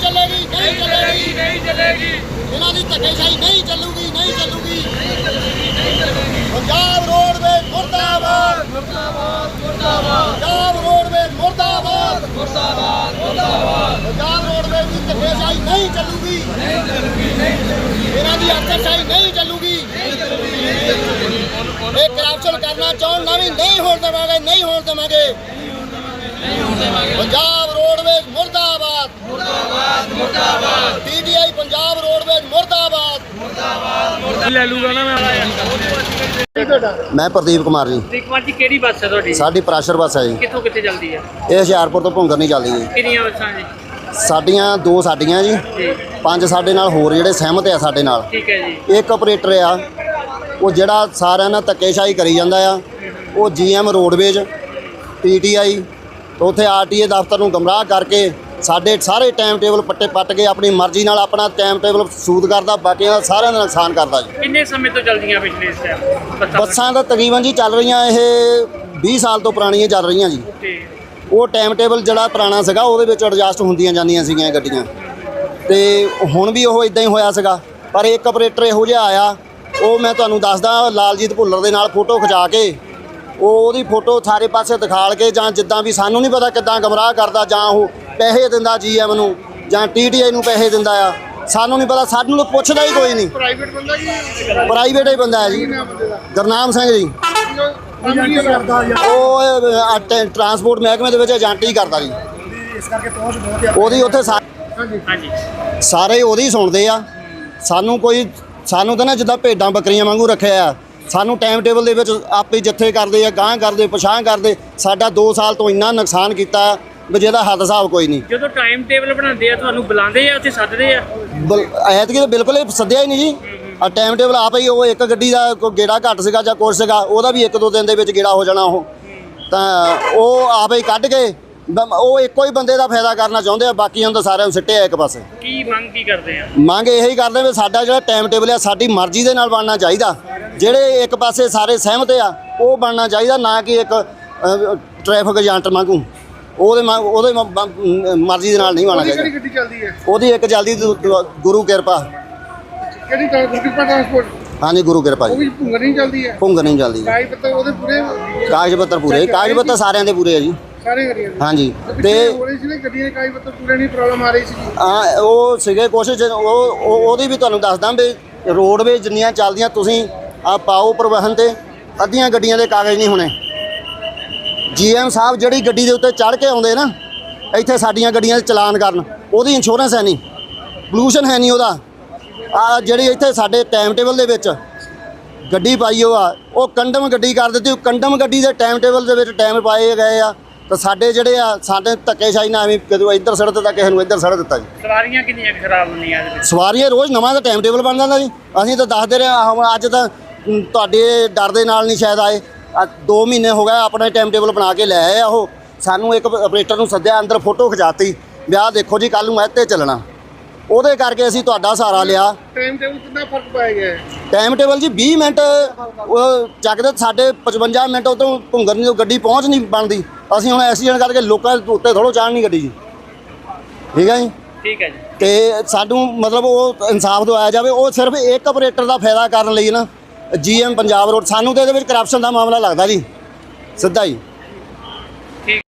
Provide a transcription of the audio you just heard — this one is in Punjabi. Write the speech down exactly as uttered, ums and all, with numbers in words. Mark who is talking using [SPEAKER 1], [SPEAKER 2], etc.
[SPEAKER 1] ਚੱਲੇਗੀ ਨਹੀਂ ਚੱਲੇਗੀ ਨਹੀਂ ਚੱਲੇਗੀ ਇਹਨਾਂ ਦੀ ਧੱਕੇਸ਼ਾਹੀ ਨਹੀਂ ਚੱਲੂਗੀ ਨਹੀਂ ਚੱਲੂਗੀ ਪੰਜਾਬ ਰੋਡਵੇਜ਼ ਮੁਰਦਾਬਾਦ ਮੁਰਦਾਬਾਦ ਮੁਰਦਾਬਾਦ ਪੰਜਾਬ ਰੋਡਵੇਜ਼ ਮੁਰਦਾਬਾਦ ਮੁਰਦਾਬਾਦ ਮੁਰਦਾਬਾਦ ਪੰਜਾਬ ਰੋਡਵੇਜ਼ ਦੀ ਧੱਕੇਸ਼ਾਹੀ ਨਹੀਂ ਚੱਲੂਗੀ ਨਹੀਂ ਚੱਲੂਗੀ ਨਹੀਂ ਚੱਲੂਗੀ ਇਹਨਾਂ ਦੀ ਅਫਸਰਸ਼ਾਹੀ ਨਹੀਂ ਚੱਲੂਗੀ ਨਹੀਂ ਚੱਲੂਗੀ ਨਹੀਂ ਚੱਲੂਗੀ ਇਹ ਕਰਪਸ਼ਨ ਕਰਨਾ ਚਾਹੁਣ ਨਾ ਵੀ ਨਹੀਂ ਹੋਣ ਦੇਵਾਂਗੇ ਨਹੀਂ ਹੋਣ ਦੇਵਾਂਗੇ ਨਹੀਂ ਹੋਣ ਦੇਵਾਂਗੇ ਪੰਜਾਬ ਰੋਡਵੇਜ਼ ਮੁਰਦਾਬਾਦ ਮੁਰਦਾਬਾਦ ਮੁਰਦਾਬਾਦ ਪੀਟੀਆਈ ਪੰਜਾਬ ਰੋਡਵੇਜ਼ ਮੁਰਦਾਬਾਦ ਮੁਰਦਾਬਾਦ ਮੁਰਦਾਬਾਦ
[SPEAKER 2] ਲੈ ਲੂਗਾ ਨਾ ਮੈਂ
[SPEAKER 3] ਮੈਂ ਪ੍ਰਦੀਪ ਕੁਮਾਰ ਜੀ।
[SPEAKER 2] ਪ੍ਰਦੀਪ ਕੁਮਾਰ ਜੀ ਕਿਹੜੀ ਬੱਸ ਹੈ ਤੁਹਾਡੀ?
[SPEAKER 3] ਸਾਡੀ ਪ੍ਰਾਸ਼ਰ ਬੱਸ ਹੈ ਜੀ।
[SPEAKER 2] ਕਿੱਥੋਂ ਕਿੱਥੇ ਚੱਲਦੀ ਹੈ?
[SPEAKER 3] ਇਹ ਹੁਸ਼ਿਆਰਪੁਰ ਤੋਂ ਭੁੰਗਰ ਨਹੀਂ ਚੱਲਦੀ ਜੀ।
[SPEAKER 2] ਕਿੰਨੀਆਂ ਬੱਸਾਂ ਜੀ?
[SPEAKER 3] ਸਾਡੀਆਂ ਦੋ ਸਾਡੀਆਂ ਜੀ, ਪੰਜ ਸਾਡੇ ਨਾਲ ਹੋਰ ਜਿਹੜੇ ਸਹਿਮਤ ਆ ਸਾਡੇ ਨਾਲ।
[SPEAKER 2] ਠੀਕ ਹੈ ਜੀ।
[SPEAKER 3] ਇੱਕ ਆਪਰੇਟਰ ਆ ਉਹ ਜਿਹੜਾ ਸਾਰਿਆਂ ਨਾਲ ਧੱਕੇਸ਼ਾਹੀ ਕਰੀ ਜਾਂਦਾ ਆ, ਉਹ ਜੀਐਮ ਰੋਡਵੇਜ਼ ਪੀਟੀਆਈ ਉੱਥੇ ਆਰਟੀਏ ਦਫ਼ਤਰ ਨੂੰ ਗਮਰਾਹ ਕਰਕੇ ਸਾਡੇ ਸਾਰੇ ਟਾਈਮ ਟੇਬਲ ਪੱਟੇ ਪੱਟ ਕੇ ਆਪਣੀ ਮਰਜ਼ੀ ਨਾਲ ਆਪਣਾ ਟਾਈਮ ਟੇਬਲ ਸੂਦ ਕਰਦਾ, ਬਾਕੀਆਂ ਦਾ ਸਾਰਿਆਂ ਦਾ ਨੁਕਸਾਨ ਕਰਦਾ ਜੀ।
[SPEAKER 2] ਕਿੰਨੇ ਸਮੇਂ ਤੋਂ ਚੱਲਦੀਆਂ ਪਿਛਲੇ ਇਸ ਟਾਈਮ
[SPEAKER 3] ਬੱਸਾਂ ਤਾਂ ਤਕਰੀਬਨ ਜੀ ਚੱਲ ਰਹੀਆਂ ਇਹ ਵੀਹ ਸਾਲ ਤੋਂ ਪੁਰਾਣੀਆਂ ਚੱਲ ਰਹੀਆਂ ਜੀ। ਉਹ ਟਾਈਮ ਟੇਬਲ ਜਿਹੜਾ ਪੁਰਾਣਾ ਸੀਗਾ ਉਹਦੇ ਵਿੱਚ ਐਡਜਸਟ ਹੁੰਦੀਆਂ ਜਾਂਦੀਆਂ ਸੀਗੀਆਂ ਗੱਡੀਆਂ, ਤੇ ਹੁਣ ਵੀ ਉਹ ਇਦਾਂ ਹੀ ਹੋਇਆ ਸੀਗਾ। ਪਰ ਇੱਕ ਆਪਰੇਟਰ ਇਹੋ ਜਿਹਾ ਆਇਆ, ਉਹ ਮੈਂ ਤੁਹਾਨੂੰ ਦੱਸਦਾ, ਲਾਲਜੀਤ ਭੁੱਲਰ ਦੇ ਨਾਲ ਫੋਟੋ ਖਿਚਾ ਕੇ ਉਹ ਉਹਦੀ ਫੋਟੋ ਸਾਰੇ ਪਾਸੇ ਦਿਖਾਲ ਕੇ, ਜਾਂ ਜਿੱਦਾਂ ਵੀ ਸਾਨੂੰ ਨਹੀਂ ਪਤਾ ਕਿੱਦਾਂ ਗਮਰਾਹ ਕਰਦਾ, ਜਾਂ ਉਹ ਪੈਸੇ ਦਿੰਦਾ ਜੀਐਮ ਨੂੰ ਜਾਂ ਟੀਟੀਆਈ ਨੂੰ ਪੈਸੇ ਦਿੰਦਾ ਆ, ਸਾਨੂੰ ਨਹੀਂ ਪਤਾ, ਸਾਨੂੰ ਤਾਂ ਪੁੱਛਦਾ ਹੀ ਕੋਈ ਨਹੀਂ।
[SPEAKER 1] ਪ੍ਰਾਈਵੇਟ ਬੰਦਾ ਜੀ
[SPEAKER 3] ਪ੍ਰਾਈਵੇਟ ਹੀ ਬੰਦਾ ਹੈ ਜੀ। ਗੁਰਨਾਮ ਸਿੰਘ ਜੀ, ਉਹ ਟਰਾਂਸਪੋਰਟ ਮਹਿਕਮੇ ਦੇ ਵਿੱਚ ਏਜੰਟ ਹੀ ਕਰਦਾ ਜੀ।
[SPEAKER 1] ਇਸ ਕਰਕੇ ਪਹੁੰਚ ਬਹੁਤ ਹੈ
[SPEAKER 3] ਉਹਦੀ ਉੱਥੇ
[SPEAKER 2] ਹਾਂਜੀ
[SPEAKER 3] ਸਾਰੇ ਉਹਦੀ ਸੁਣਦੇ ਆ। ਸਾਨੂੰ ਕੋਈ ਸਾਨੂੰ ਤਾਂ ਨਾ ਜਿੱਦਾਂ ਭੇਡਾਂ ਬੱਕਰੀਆਂ ਵਾਂਗੂ ਰੱਖਿਆ ਆ। ਸਾਨੂੰ ਟਾਈਮ ਟੇਬਲ ਦੇ ਵਿੱਚ ਆਪੇ ਜੱਥੇ ਕਰਦੇ ਆ, ਗਾਂਹ ਕਰਦੇ ਪਛਾਂ ਕਰਦੇ। ਸਾਡਾ ਦੋ ਸਾਲ ਤੋਂ ਇੰਨਾ ਨੁਕਸਾਨ ਕੀਤਾ ਵੀ ਜਿਹਦਾ ਹੱਦ ਹਿਸਾਬ ਕੋਈ ਨਹੀਂ।
[SPEAKER 2] ਜਦੋਂ ਟਾਈਮ ਟੇਬਲ ਬਣਾਉਂਦੇ ਆ ਤੁਹਾਨੂੰ ਬੁਲਾਉਂਦੇ ਆ ਉੱਥੇ ਸੱਦਦੇ ਆ?
[SPEAKER 3] ਐਤਕੀ ਤਾਂ ਬਿਲਕੁਲ ਹੀ ਸੱਦਿਆ ਹੀ ਨਹੀਂ ਜੀ। ਆ ਟਾਈਮ ਟੇਬਲ ਆਪ ਹੀ, ਉਹ ਇੱਕ ਗੱਡੀ ਦਾ ਕੋਈ ਗੇੜਾ ਘੱਟ ਸੀਗਾ ਜਾਂ ਕੁਛ ਸੀਗਾ, ਉਹਦਾ ਵੀ ਇੱਕ ਦੋ ਦਿਨ ਦੇ ਵਿੱਚ ਗੇੜਾ ਹੋ ਜਾਣਾ। ਉਹ ਤਾਂ ਉਹ ਆਪ ਹੀ ਕੱਢ ਕੇ ਉਹ ਇੱਕੋ ਹੀ ਬੰਦੇ ਦਾ ਫਾਇਦਾ ਕਰਨਾ ਚਾਹੁੰਦੇ ਆ, ਬਾਕੀਆਂ ਤਾਂ ਸਾਰਿਆਂ ਨੂੰ ਸਿੱਟਿਆ ਇੱਕ ਪਾਸੇ।
[SPEAKER 2] ਕੀ ਮੰਗ ਕੀ ਕਰਦੇ ਆ?
[SPEAKER 3] ਮੰਗ ਇਹੀ ਕਰਦੇ ਵੀ ਸਾਡਾ ਜਿਹੜਾ ਟਾਈਮ ਟੇਬਲ ਆ ਸਾਡੀ ਮਰਜ਼ੀ ਦੇ ਨਾਲ ਬਣਨਾ ਚਾਹੀਦਾ। ਜਿਹੜੇ ਇੱਕ ਪਾਸੇ ਸਾਰੇ ਸਹਿਮਤ ਆ ਉਹ ਬਣਨਾ ਚਾਹੀਦਾ, ਨਾ ਕਿ ਇੱਕ ਟ੍ਰੈਫਿਕ ਏਜੰਟ ਵਾਂਗੂ ਉਹਦੇ ਉਹਦੇ ਮਰਜ਼ੀ ਦੇ ਨਾਲ ਨਹੀਂ ਬਣਨਾ ਚਾਹੀਦਾ।
[SPEAKER 1] ਕਿਹੜੀ ਗੱਡੀ ਚੱਲਦੀ ਹੈ?
[SPEAKER 3] ਉਹਦੀ ਇੱਕ ਜਲਦੀ ਗੁਰੂ ਕਿਰਪਾ।
[SPEAKER 1] ਕਿਹੜੀ ਗੁਰਕਿਰਪਾ ਟਰਾਂਸਪੋਰਟ?
[SPEAKER 3] ਹਾਂਜੀ ਗੁਰੂ ਕਿਰਪਾ
[SPEAKER 1] ਉਹ
[SPEAKER 3] ਜੀ।
[SPEAKER 1] ਵੀ ਭੁੰਗਰ ਨਹੀਂ ਚੱਲਦੀ ਹੈ?
[SPEAKER 3] ਭੁੰਗਰ ਨਹੀਂ ਚੱਲਦੀ।
[SPEAKER 1] ਕਾਗਜ਼ ਪੱਤਰ ਉਹਦੇ ਪੂਰੇ?
[SPEAKER 3] ਕਾਗਜ਼ ਪੱਤਰ ਪੂਰੇ, ਕਾਗਜ਼ ਪੱਤਰ ਸਾਰਿਆਂ ਦੇ ਪੂਰੇ ਆ ਜੀ।
[SPEAKER 1] ਸਾਰੇ ਗੱਡੀਆਂ ਦੇ?
[SPEAKER 3] ਹਾਂਜੀ।
[SPEAKER 1] ਤੇ
[SPEAKER 3] ਤੇ
[SPEAKER 1] ਹੋ ਰਹੀ ਸੀ ਨਾ ਗੱਡੀਆਂ ਦੇ ਕਾਗਜ਼ ਪੱਤਰ ਪੂਰੇ ਨਹੀਂ, ਪ੍ਰੋਬਲਮ ਆ ਰਹੀ ਸੀ ਜੀ।
[SPEAKER 3] ਹਾਂ ਉਹ ਸੀਗੇ ਕੋਸ਼ਿਸ਼, ਉਹ ਉਹਦੀ ਵੀ ਤੁਹਾਨੂੰ ਦੱਸਦਾ ਵੀ ਰੋਡਵੇਜ਼ ਜਿੰਨੀਆਂ ਚੱਲਦੀਆਂ ਤੁਸੀਂ ਆ ਪਾਓ ਪਰਿਵਹਨ ਤੇ, ਅੱਧੀਆਂ ਗੱਡੀਆਂ ਦੇ ਕਾਗਜ਼ ਨਹੀਂ ਹੋਣੇ। ਜੀਐਮ ਸਾਹਿਬ ਜਿਹੜੀ ਗੱਡੀ ਦੇ ਉੱਤੇ ਚੜ੍ਹ ਕੇ ਆਉਂਦੇ ਨਾ ਇੱਥੇ ਸਾਡੀਆਂ ਗੱਡੀਆਂ ਦੇ ਚਲਾਨ ਕਰਨ, ਉਹਦੀ ਇੰਸ਼ੋਰੈਂਸ ਹੈ ਨਹੀਂ, ਪੋਲੂਸ਼ਨ ਹੈ ਨਹੀਂ ਉਹਦਾ। ਆ ਜਿਹੜੀ ਇੱਥੇ ਸਾਡੇ ਟਾਈਮ ਟੇਬਲ ਦੇ ਵਿੱਚ ਗੱਡੀ ਪਾਈ ਉਹ ਆ, ਉਹ ਕੰਡਮ ਗੱਡੀ ਕਰ ਦਿੱਤੀ। ਕੰਡਮ ਗੱਡੀ ਦੇ ਟਾਈਮ ਟੇਬਲ ਦੇ ਵਿੱਚ ਟਾਈਮ ਪਾਏ ਗਏ ਆ, ਤਾਂ ਸਾਡੇ ਜਿਹੜੇ ਆ ਸਾਡੇ ਧੱਕੇਸ਼ਾਹੀ ਨਾਲ ਐਵੇਂ ਕਦੋਂ ਇੱਧਰ ਸੜਕ ਦਿੱਤਾ, ਕਿਸੇ ਨੂੰ ਇੱਧਰ ਸੜਕ ਦਿੱਤਾ ਜੀ।
[SPEAKER 2] ਸਵਾਰੀਆਂ ਕਿੰਨੀਆਂ ਖਰਾਬ ਹੁੰਦੀਆਂ ਇਹਦੇ ਵਿੱਚ?
[SPEAKER 3] ਸਵਾਰੀਆਂ ਰੋਜ਼ ਨਵਾਂ ਦਾ ਟਾਈਮ ਟੇਬਲ ਬਣ ਜਾਂਦਾ ਜੀ। ਅਸੀਂ ਤਾਂ ਦੱਸਦੇ ਰਹੇ ਹਾਂ, ਅੱਜ ਤਾਂ ਤੁਹਾਡੇ ਡਰ ਦੇ ਨਾਲ ਨਹੀਂ ਸ਼ਾਇਦ ਆਏ। ਦੋ ਮਹੀਨੇ ਹੋ ਗਏ ਆਪਣਾ ਟਾਈਮ ਟੇਬਲ ਬਣਾ ਕੇ ਲੈ ਆਏ ਆ। ਉਹ ਸਾਨੂੰ ਇੱਕ ਆਪਰੇਟਰ ਨੂੰ ਸੱਦਿਆ, ਅੰਦਰ ਫੋਟੋ ਖਿਚਾਤੀ, ਵਿਆਹ ਦੇਖੋ ਜੀ ਕੱਲ੍ਹ ਨੂੰ ਇੱਥੇ ਚੱਲਣਾ। ਉਹਦੇ ਕਰਕੇ ਅਸੀਂ ਤੁਹਾਡਾ ਸਹਾਰਾ ਲਿਆ।
[SPEAKER 1] ਟਾਈਮ ਟੇਬਲ ਕਿੰਨਾ ਫਰਕ ਪਾਇਆ ਗਿਆ ਹੈ?
[SPEAKER 3] ਟਾਈਮ ਟੇਬਲ ਜੀ ਵੀਹ ਮਿੰਟ ਉਹ ਚੱਕਦੇ, ਸਾਡੇ ਪਚਵੰਜਾ ਮਿੰਟ ਉਦੋਂ ਭੁੰਗਰ ਨਹੀਂ ਗੱਡੀ ਪਹੁੰਚ ਨਹੀਂ ਬਣਦੀ। ਅਸੀਂ ਹੁਣ ਐਕਸੀਡੈਂਟ ਕਰਕੇ ਲੋਕਾਂ ਦੇ ਉੱਤੇ ਥੋੜ੍ਹਾ ਚਾੜਨੀ ਗੱਡੀ ਜੀ। ਠੀਕ ਹੈ ਜੀ।
[SPEAKER 2] ਠੀਕ ਹੈ ਜੀ।
[SPEAKER 3] ਤੇ ਸਾਨੂੰ ਮਤਲਬ ਉਹ ਇਨਸਾਫ ਦਵਾਇਆ ਜਾਵੇ। ਉਹ ਸਿਰਫ ਇੱਕ ਆਪਰੇਟਰ ਦਾ ਫਾਇਦਾ ਕਰਨ ਲਈ ਨਾ ਜੀਐਮ ਪੰਜਾਬ ਰੋਡ, ਸਾਨੂੰ ਤਾਂ ਇਹਦੇ ਵਿੱਚ ਕਰਪਸ਼ਨ ਦਾ ਮਾਮਲਾ ਲੱਗਦਾ ਜੀ ਸਿੱਧਾ ਹੀ।